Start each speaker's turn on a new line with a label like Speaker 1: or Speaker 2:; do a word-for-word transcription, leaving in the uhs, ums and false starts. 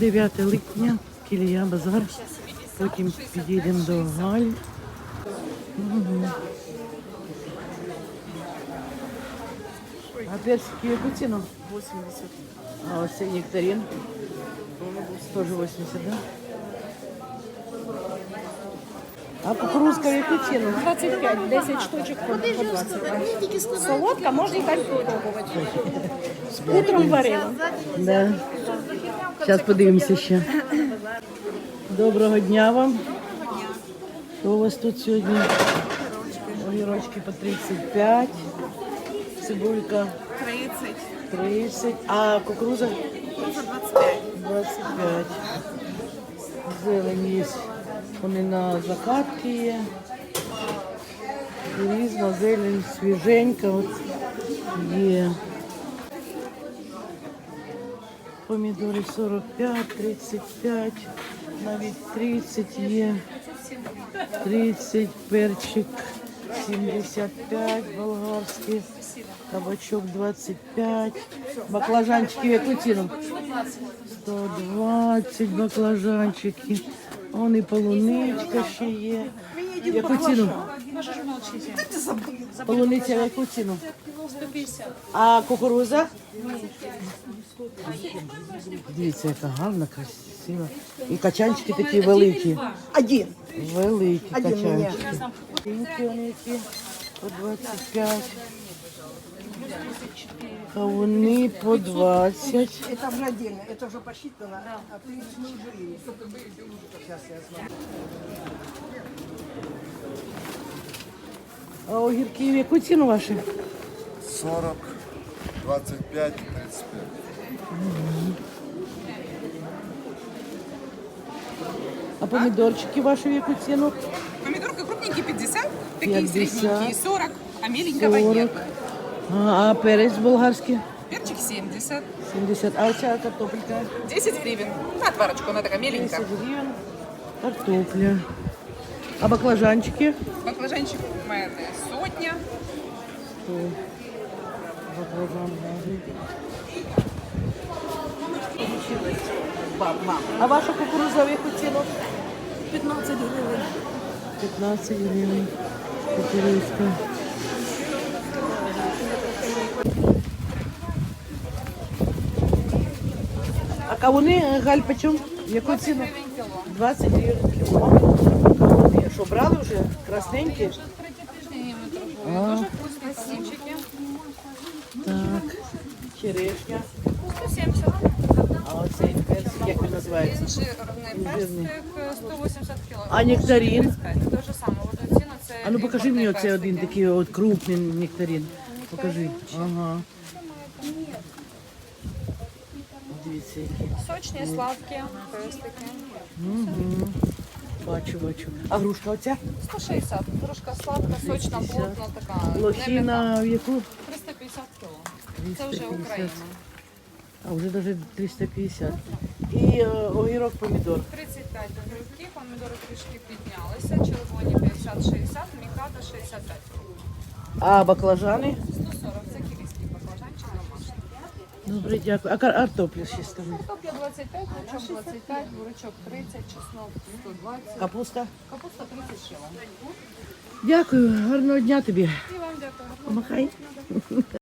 Speaker 1: дев'яте липня, Кілія, базар. Потім підійдемо до Галь. Угу. А персики яку ціну?
Speaker 2: восемьдесят.
Speaker 1: А ось цей нектарин? Теж вісімдесят, да? А кукурузка в яку ціну?
Speaker 2: двадцать пять, десять штучек по двадцать. Солодка, можно так попробовать. Утром варила.
Speaker 1: Да. Зараз подивимося ще. Доброго дня вам. Що у вас тут сьогодні? Огірочки по тридцять п'ять, цибулька
Speaker 2: тридцать.
Speaker 1: тридцять, а кукуруза?
Speaker 2: двадцать пять.
Speaker 1: двадцять п'ять. Зелень є. Вони на закатки є. Різна зелень, свіженька от є. Помідори сорок п'ять, тридцять п'ять, навіть тридцять є. тридцять, перчик сімдесят п'ять, болгарський, кабачок двадцять п'ять, баклажанчики в яку ціну? сто двадцять баклажанчики. Вон і полуничка ще є. В яку ціну? Полуниця в яку ціну?
Speaker 2: сто пятьдесят.
Speaker 1: А кукуруза? Дивіться, яка гарна, красива. І качанчики такі великі.
Speaker 2: Один.
Speaker 1: Великі
Speaker 2: Один
Speaker 1: качанчики. Пінки вони які по двадцять п'ять. Кавуни по двадцять.
Speaker 2: Это уже отдельно, это уже посчитано. А ты не уже. Сейчас я смотрю.
Speaker 1: А огірки в яку ціну ваші?
Speaker 3: сорок, двадцать пять, тридцать пять.
Speaker 1: А помідорчики ваші в яку ціну?
Speaker 4: Помидорка крупненькие пятьдесят, такие
Speaker 1: пятьдесят.
Speaker 4: средненькие сорок, а меленького нет.
Speaker 1: сорок. А, а перець болгарський?
Speaker 4: Перчик семьдесят,
Speaker 1: сімдесят. А оця картопелька?
Speaker 4: десять гривен. На отварочку, она такая меленькая.
Speaker 1: десять гривень. Картопля. А баклажанчики?
Speaker 4: Баклажанчик майонез сотня.
Speaker 1: Сто. Баклажан гарний. А ваша кукуруза в яку ціну?
Speaker 2: пятнадцать гривен.
Speaker 1: п'ятнадцять гривень. Кукурузка. А кавуни, Галь, почем? В яку ціну? двадцять гривень кіло. Кавуни. Що, брали вже? Красненькі? А, так. Черешня.
Speaker 4: сто семьдесят.
Speaker 1: А оцей персик, як він називається?
Speaker 4: Жирный
Speaker 1: Жирний.
Speaker 4: перстик сто восемьдесят кило.
Speaker 1: А нектарин?
Speaker 4: Те ж саме, вот ціна це
Speaker 1: А ну покажи мені
Speaker 4: імпортний
Speaker 1: оцей один
Speaker 4: перстик.
Speaker 1: такий от крупний нектарин. Покажи. Ага. Дивіться, які.
Speaker 4: Сочні, сладкі перстики.
Speaker 1: Угу. Бачу, бачу. А грушка оця?
Speaker 4: сто шістдесят. Трошка сладка, сочна, плотна така.
Speaker 1: Лохіна в яку?
Speaker 4: триста п'ятдесят кіло. Це вже
Speaker 1: триста п'ятдесят.
Speaker 4: Україна.
Speaker 1: А вже навіть триста п'ятдесят. І е, огірок, помідор.
Speaker 4: тридцять п'ять огірки, помідори трішки піднялися, червоні п'ятдесят шістдесят, мікада шістдесят п'ять.
Speaker 1: А баклажани?
Speaker 4: сто сорок, це кілійський баклажанчик домашній.
Speaker 1: Добре, дякую. А кар- картопля ще ставлю.
Speaker 4: Картопля двадцять п'ять, лучок двадцять п'ять, бурячок тридцять, чеснок сто двадцять,
Speaker 1: Капуста?
Speaker 4: капуста тридцять шило.
Speaker 1: Дякую, гарного дня тобі.
Speaker 4: І вам дякую.
Speaker 1: Помахай.